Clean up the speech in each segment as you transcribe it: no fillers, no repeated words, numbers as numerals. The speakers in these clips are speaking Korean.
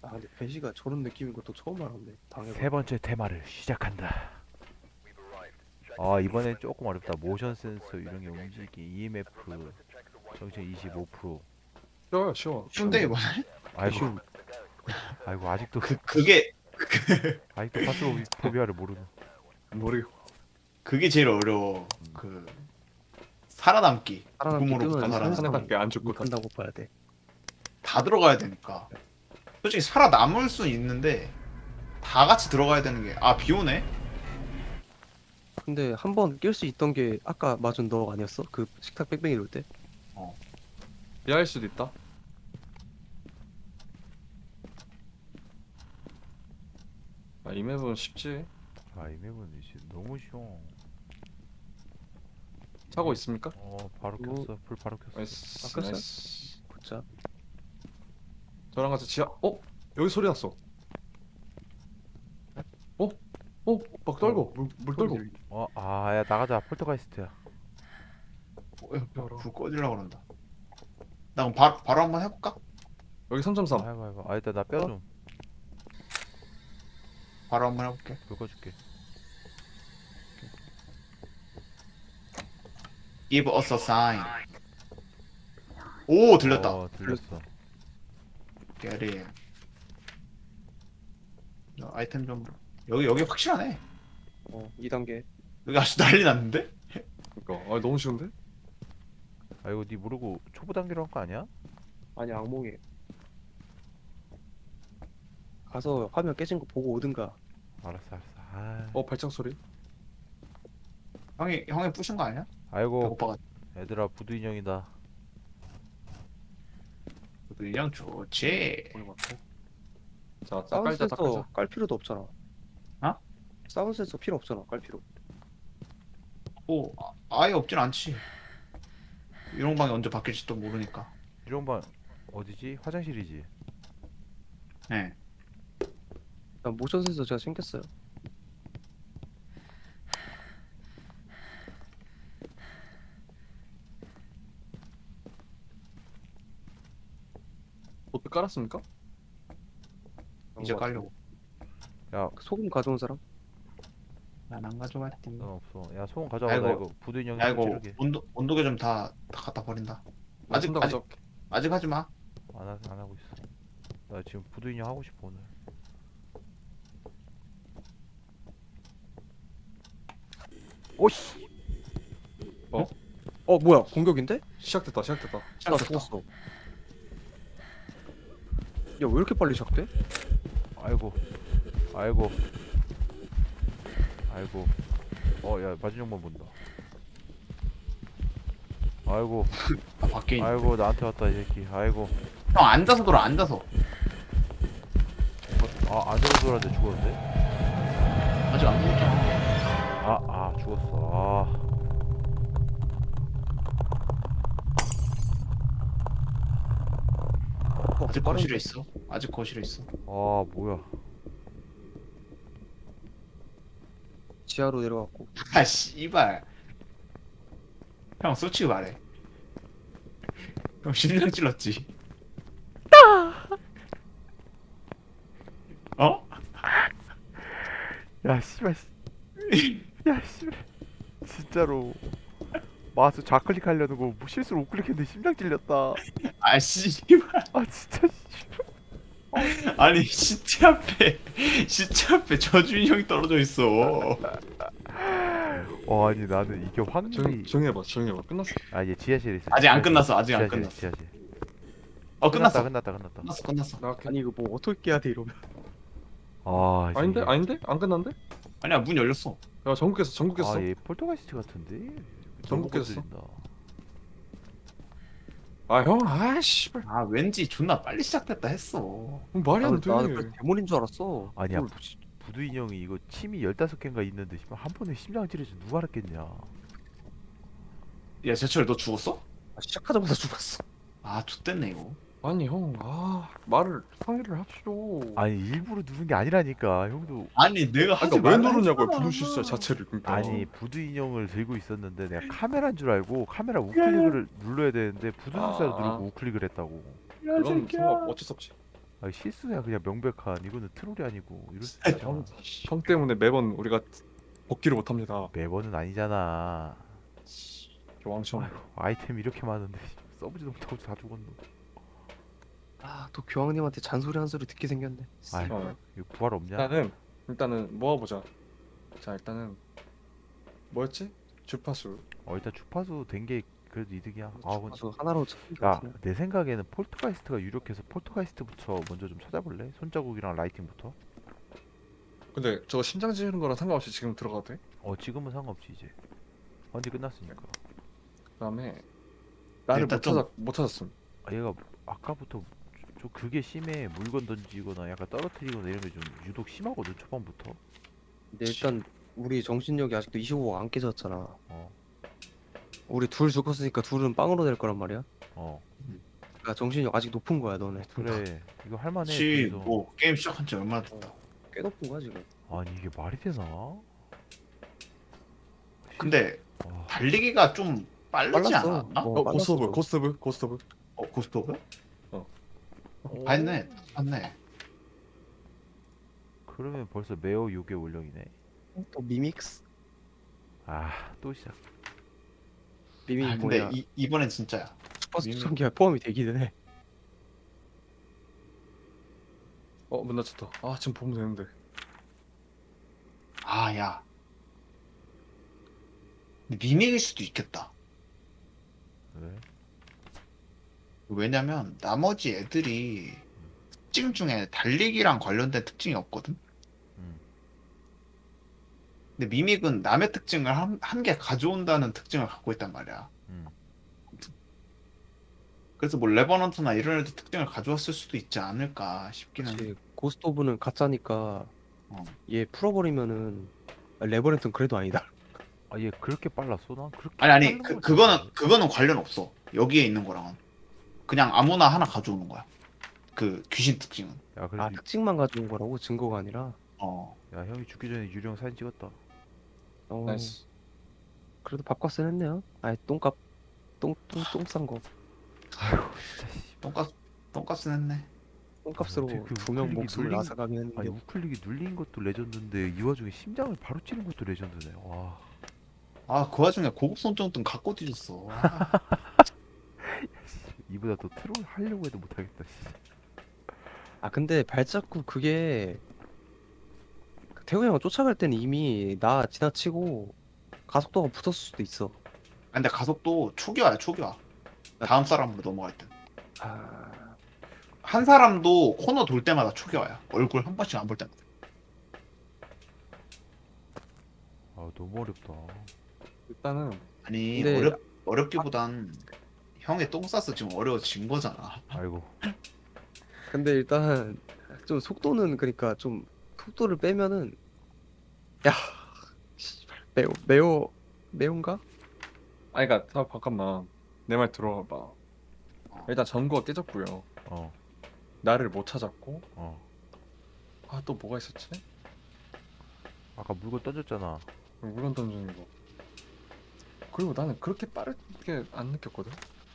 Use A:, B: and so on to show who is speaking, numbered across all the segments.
A: 아 근데 배시가 저런 느낌인 것도 처음 알았네.
B: 세
A: 당해봐.
B: 번째 테마를 시작한다. 아 이번엔 조금 어렵다. 모션 센서 유령의 움직임, EMF, 정체 25%.
C: 쉬워요, 쉬워.
D: 쉬운데
A: 쉬운데?
D: 이번에?
B: 아이고,
A: 쉬운.
B: 아이고 아직도
D: 그게
B: 아직도 파스로포비아를 모르는.
C: 모르겠고.
D: 그게 제일 어려워. 그 살아남기.
A: 살아남기
D: 죽음으로부터
A: 뜨면
D: 살아남기.
C: 살아남기 안 죽고
A: 못한다고 봐야 돼.
D: 다 들어가야 되니까. 솔직히 살아남을 수 있는데 다 같이 들어가야 되는 게 비 오네?
A: 근데 한 번 낄 수 있던 게 아까 맞은 너 아니었어? 그 식탁 뺑뺑이 돌 때?
C: 이해할 수도 있다. 이 맵은 쉽지.
B: 아 이 맵은 이제 너무 쉬워.
C: 차고 있습니까?
B: 바로
A: 뭐-
B: 켰어. 불 바로 켰어.
C: 나이스.
A: 바꿨어요?
C: 나이스.
A: 굿자.
C: 저랑 같이 지하. 여기 소리 났어. 어? 막 떨고 물 떨고.
B: 야 나가자. 폴터가이스트야.
D: 불 꺼지려고 그런다. 나 그럼 바로 한번 해볼까?
C: 여기 3.3.
B: 아이고. 일단 나 뼈 좀.
D: 바로 한번 해볼게.
B: 불 꺼줄게.
D: Give us a sign. 오 들렸다.
B: 들렸어.
D: Get in. 아이템 좀 여기 확실하네.
A: 2단계.
D: 여기 아주 난리 났는데?
C: 그러니까 너무 쉬운데?
B: 이거 니 모르고 초보 단계로 한 거 아니야?
A: 아니 악몽이. 가서 화면 깨진 거 보고 오든가.
B: 알았어.
C: 발작 소리.
D: 형이 부신 거 아니야?
B: 아이고
D: 배고파가.
B: 얘들아 부두 인형이다.
D: 그냥 좋지.
C: 보는 것 같아. 자,
A: 사운드
C: 깔자,
A: 센서
C: 깔자.
A: 깔 필요도 없잖아.
D: 어?
A: 사운드 센서 필요 없잖아. 깔 필요.
D: 아예 없진 않지. 이런 방이 언제 바뀔지도 모르니까.
B: 이런 방 어디지? 화장실이지.
D: 네.
A: 난 모션 센서 제가 챙겼어요.
C: 보트 깔았습니까?
D: 이제 깔려고.
B: 야,
A: 소금 가져온 사람?
D: 난 안 가져갔지.
B: 넌 없어. 야 소금 가져와. 나
D: 아이고.
B: 이거 부두 인형
D: 야 이거
B: 찌르게.
D: 온도계 좀 다 갖다 버린다. 아직
C: 손 가져올게.
D: 아직 하지 마.
B: 안 하고 있어. 나 지금 부두 인형 하고 싶어 오늘. 오씨.
A: 뭐야 공격인데?
C: 시작됐다.
A: 나 죽었어. 야 왜 이렇게 빨리 시작돼?
B: 아이고. 야 마진영만 본다. 아이고.
D: 밖에 있는.
B: 아이고 나한테 왔다 이 새끼. 아이고.
D: 형 앉아서 돌아 앉아서.
B: 안으로 돌았는데 죽었는데?
D: 아직 안 죽었잖아.
B: 죽었어.
D: 아직 거실에 있어. 아직 거실에 있어.
B: 뭐야.
A: 지하로 내려갔고.
D: 아 씨발. 형 솔직히 말해. 형 심장 찔렀지. 어?
B: 야 씨발. 야 씨발. 진짜로. 마우스 좌클릭 하려는 거 실수로 우클릭했는데 심장 찔렸다.
D: 아 씨발.
B: 진짜.
D: 아니 시체 앞에 저주인 형이 떨어져 있어.
B: 아니 나는 이게 확률이.
C: 조용히 해봐. 끝났어.
B: 얘 지하실에 있어.
D: 아직 안 끝났어. 아직 안
B: 지하실,
D: 끝났어.
B: 지하실.
D: 끝났어.
B: 끝났다.
D: 끝났어.
C: 나갈게.
A: 아니 이거 뭐 어떻게 해야 돼 이러면.
C: 아닌데? 안 끝났는데?
D: 아니야 문 열렸어.
C: 야, 전국 깼어.
B: 얘 폴터가이스트 같은데.
C: 전국
B: 너무
C: 깼어.
B: 건드린다.
C: 형, 씨발.
D: 왠지 존나 빨리 시작됐다 했어.
C: 말이 안 돼.
A: 나는 그 대물인 줄 알았어.
B: 아니야 부두 인형이 이거 침이 15개인가 있는데 한 번에 심장 찌르지 누가 알았겠냐.
D: 야 제철 너 죽었어?
A: 시작하자마자 죽었어.
D: X됐네 이거.
C: 아니, 형, 말을 상의를 합시오.
B: 아니 일부러 누른 게 아니라니까 형도.
D: 아니 내가 하지
C: 그러니까 왜
D: 말라
C: 누르냐고요,
D: 했잖아.
C: 부두 실수 자체를. 그러니까.
B: 아니 부두 인형을 들고 있었는데 내가 카메라인 줄 알고 카메라 우클릭을 눌러야 되는데 부두 실수를
C: 아.
B: 누르고 우클릭을 했다고.
C: 그건 상관 어쩔 수 없지.
B: 아 실수야 그냥 명백한. 이거는 트롤이 아니고 이럴 수
C: 형,
B: 있잖아.
C: 형 때문에 매번 우리가 복귀를 못합니다.
B: 매번은 아니잖아.
C: 왕청.
B: 아휴, 아이템 이렇게 많은데 써보지도 못하고 다 죽었노.
A: 또 교황님한테 잔소리 한 소리 듣게 생겼네.
B: 아이고
C: 어.
B: 이거 부활 없냐?
C: 일단은 모아보자. 자 일단은 뭐였지? 주파수.
B: 일단 주파수 된 게 그래도 이득이야.
A: 주파수 하나로 찾는 게
B: 야,
A: 같으네.
B: 내 생각에는 폴터가이스트가 유력해서 폴터가이스트부터 먼저 좀 찾아볼래? 손자국이랑 라이팅부터?
C: 근데 저거 심장 지르는 거랑 상관없이 지금 들어가도 돼?
B: 지금은 상관없지 이제. 완전 끝났으니까.
C: 그다음에 나를
D: 일단
C: 못 찾았음.
B: 얘가 아까부터 그게 심해. 물건 던지거나 약간 떨어뜨리거나 이런 게 좀 유독 심하거든 초반부터.
A: 근데 일단 우리 정신력이 아직도 25가 안 깨졌잖아.
B: 어,
A: 우리 둘 죽었으니까 둘은 빵으로 될 거란 말이야.
B: 어.
A: 그러니까 정신력 아직 높은 거야 너네. 둘 다.
B: 그래, 이거 할만해.
D: 혹시
B: 둘이서.
D: 뭐 게임 시작한 지 얼마나 됐다.
A: 꽤 높은 거야 지금.
B: 아니 이게 말이 되나?
D: 근데
B: 와,
D: 달리기가 좀 빠르지
A: 빨랐어.
D: 않았나?
A: 뭐.
C: 고스트 오브,
A: 빨랐어.
C: 고스트 오브, 고스트 오브.
D: 고스트 오브?
B: 오.
D: 봤네. 봤네.
B: 그러면 벌써 매어 6의 원령이네.
A: 또 미믹스.
B: 또 시작.
A: 미믹
D: 근데
A: 뭐냐?
D: 이번엔 진짜야.
A: 주파수
D: 미믹.
A: 투성기가 포함이 되기는 해.
C: 문 닫혔다. 지금 보면 되는데.
D: 야. 근데 미믹일 수도 있겠다.
B: 왜?
D: 왜냐면 나머지 애들이 특징 중에 달리기랑 관련된 특징이 없거든.
B: 음.
D: 근데 미믹은 남의 특징을 한 개 가져온다는 특징을 갖고 있단 말이야.
B: 음.
D: 그래서 뭐 레버넌트나 이런 애들 특징을 가져왔을 수도 있지 않을까 싶기는 해.
A: 그렇지. 고스트 오브는 가짜니까
D: 어.
A: 얘 풀어버리면은 레버넌트는 그래도 아니다.
B: 얘 그렇게 빨랐어? 난 그렇게
D: 아니
B: 빠른 걸
D: 그거는 관련 없어. 여기에 있는 거랑은 그냥 아무나 하나 가져오는 거야. 그 귀신 특징은.
B: 야 그래도
A: 특징만 가져온 거라고 증거가 아니라.
D: 어.
B: 형이 죽기 전에 유령 사진 찍었다.
C: 나이스.
A: 그래도 밥값은 했네요. 똥값 똥 싼 거.
D: 똥값은 했네.
A: 똥값으로
B: 어떻게 그
A: 2명
B: 우클릭이
A: 목숨을
B: 눌린-
A: 앗아가긴 했는데.
B: 아니 우클릭이 눌린 것도 레전드인데 이 와중에 심장을 바로 찌른 것도 레전드네. 와.
D: 그 와중에 고급 손전등 갖고 뒤졌어.
B: 이보다 더 트롤 하려고 해도 못하겠다. 씨.
A: 근데 발자국 그게 태우 형을 쫓아갈 때는 이미 나 지나치고 가속도가 붙었을 수도 있어.
D: 근데 가속도 초기화야 초기화. 다음 사람으로 넘어갈 때. 한 사람도 코너 돌 때마다 초기화야. 얼굴 한 번씩 안 볼 때마다.
B: 너무 어렵다.
C: 일단은
D: 아니
A: 근데-
D: 어렵기보단 형의 똥 싸서 지금 어려워진 거잖아.
B: 아이고.
A: 근데 일단 좀 속도는 그러니까 좀 속도를 빼면은 야 씨발 매운가?
C: 그러니까 잠깐만. 내 말 들어봐. 일단 전구가 깨졌고요.
B: 어.
C: 나를 못 찾았고.
B: 어.
C: 또 뭐가 있었지?
B: 아까 물건 던졌잖아.
C: 물건 던지는 거. 그리고 나는 그렇게 빠르게 안 느꼈거든.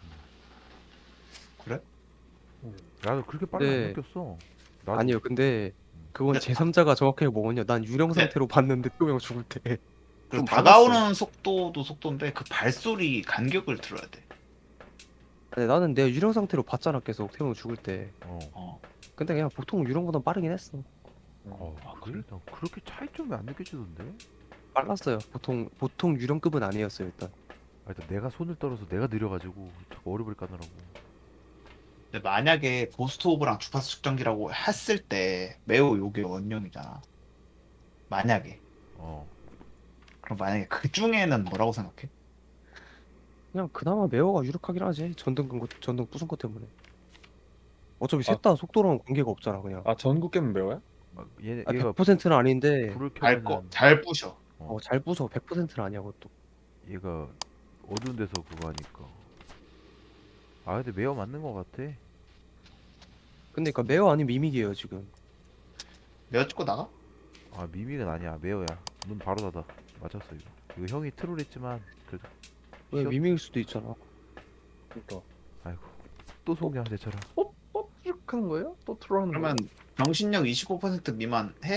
D: 그래?
B: 나도 그렇게 빨리 안
A: 네.
B: 느꼈어. 나도
A: 아니요. 근데 그건
D: 근데
A: 제3자가 정확하게 뭐냐? 난 유령 상태로 봤는데 태우 형 죽을 때.
D: 그
A: 좀
D: 다가오는 속도도 속도인데 그 발소리 간격을 들어야 돼.
A: 아니, 나는 내가 유령 상태로 봤잖아 계속 태우 형 죽을 때.
D: 어.
A: 근데 그냥 보통 유령보다 빠르긴 했어.
B: 그래? 난 그렇게 차이점이 안 느껴지던데?
A: 빨랐어요. 보통 유령급은 아니었어요 일단.
B: 일단 내가 손을 떨어서 내가 느려가지고 자꾸 어려울 까느라고.
D: 근데 만약에 고스트 오브랑 주파수 측정기라고 했을 때 매우 요게 원령이잖아. 만약에. 그럼 만약에 그 중에는 뭐라고 생각해?
A: 그냥 그나마 매어가 유력하긴 하지. 전등 부순 것 때문에. 어차피 셋 다 속도랑 관계가 없잖아 그냥.
C: 전구 깨면 매워요?
B: 얘가
A: 100%는 아닌데
B: 불을
D: 잘
B: 켜면
D: 잘 부셔.
A: 잘 부숴. 100%는 아니야 그것도.
B: 얘가 어두운 데서 그거 하니까. 근데 매어 맞는 거 같아.
A: 근데 그러니까 매어 아닌 미믹이에요 지금.
D: 내가 찍고 나가?
B: 미믹은 아니야. 매어야. 눈 바로 닫아. 맞췄어 이거. 이거 형이 트롤했지만 그래도.
A: 왜
B: 쉬었-
A: 미믹일 수도 있잖아.
C: 그러니까.
B: 아이고. 또 속냐 내처럼.
C: 하는 거예요? 또 트롤하는
D: 그러면
C: 거예요?
D: 정신력 25% 미만 해?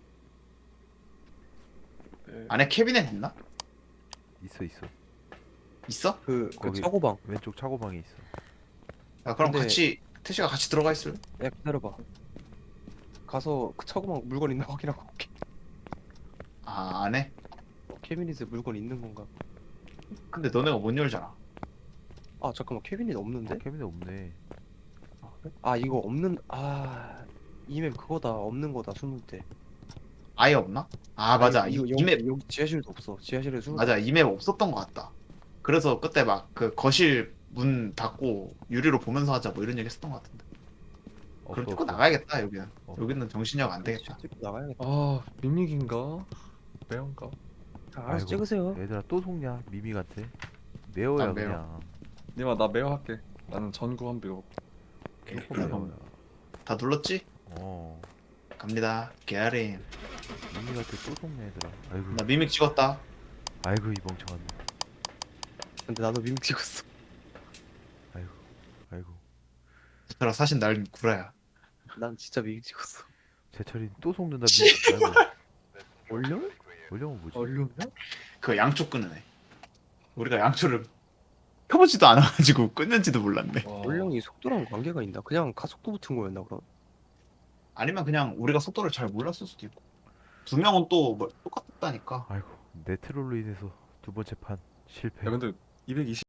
C: 네.
D: 안에 캐비넷 있나?
B: 있어 있어.
D: 있어?
A: 그
B: 거기-
A: 차고방.
B: 왼쪽 차고방에 있어.
D: 야, 그럼
A: 근데-
D: 같이 태시가 같이 들어가 있을?
A: 야 기다려봐. 가서 그 차고방 물건 있나 확인하고 올게.
D: 아, 안 해?
A: 캐비닛에 물건 있는 건가?
D: 근데 너네가 못 열잖아.
A: 아 잠깐만 캐비닛 없는데?
B: 캐비넷 없네.
A: 아 이거 없는 이맵 그거다 없는 거다 숨을 때.
D: 아예 없나? 아, 맞아.
A: 이거
D: 이맵
A: 여기 지하실도 없어. 지하실에 숨을
D: 맞아. 이맵 없었던 것 같다. 그래서 그때 막 그 거실 문 닫고 유리로 보면서 하자 뭐 이런 얘기 했었던 것 같은데. 그럼
B: 없어
D: 찍고
B: 없어.
D: 나가야겠다 여기는.
B: 어.
D: 여기는 정신력 안 되겠다.
A: 찍고 나가야겠다.
C: 아 밋밋인가? 매운가?
A: 아, 알아서
B: 아이고.
A: 찍으세요.
B: 얘들아 또 속냐? 미미 같아. 매워야
D: 난 매워.
B: 그냥.
C: 님아 나 매워 할게. 나는 전구 한 비고.
B: 조금 매워야.
D: 다 눌렀지?
B: 어.
D: 갑니다. 게아린.
B: 미미 같아 또 속냐 얘들아. 아이고.
D: 나 미믹 찍었다.
B: 아이고 이 멍청한.
A: 근데 나도 밈 찍었어.
B: 아이고. 아이고.
D: 얘들아 사실 날 구라야.
A: 난 진짜 밈 찍었어.
B: 제철이 또 속는다.
D: 씨.
B: 아이고.
A: 원령?
B: 원령은 뭐지?
C: 얼룩이야?
D: 그거 양초 끄는 애. 우리가 양초를 켜보지도 않아가지고 끊는지도 몰랐네.
C: 와.
A: 원령이 속도랑 관계가 있나? 그냥 가속도 붙은 거였나 그럼?
D: 아니면 그냥 우리가 속도를 잘 몰랐을 수도 있고. 두 명은 또 뭐 똑같다니까.
B: 아이고. 내 트롤로 인해서 두 번째 판 실패.
C: 야 근데 220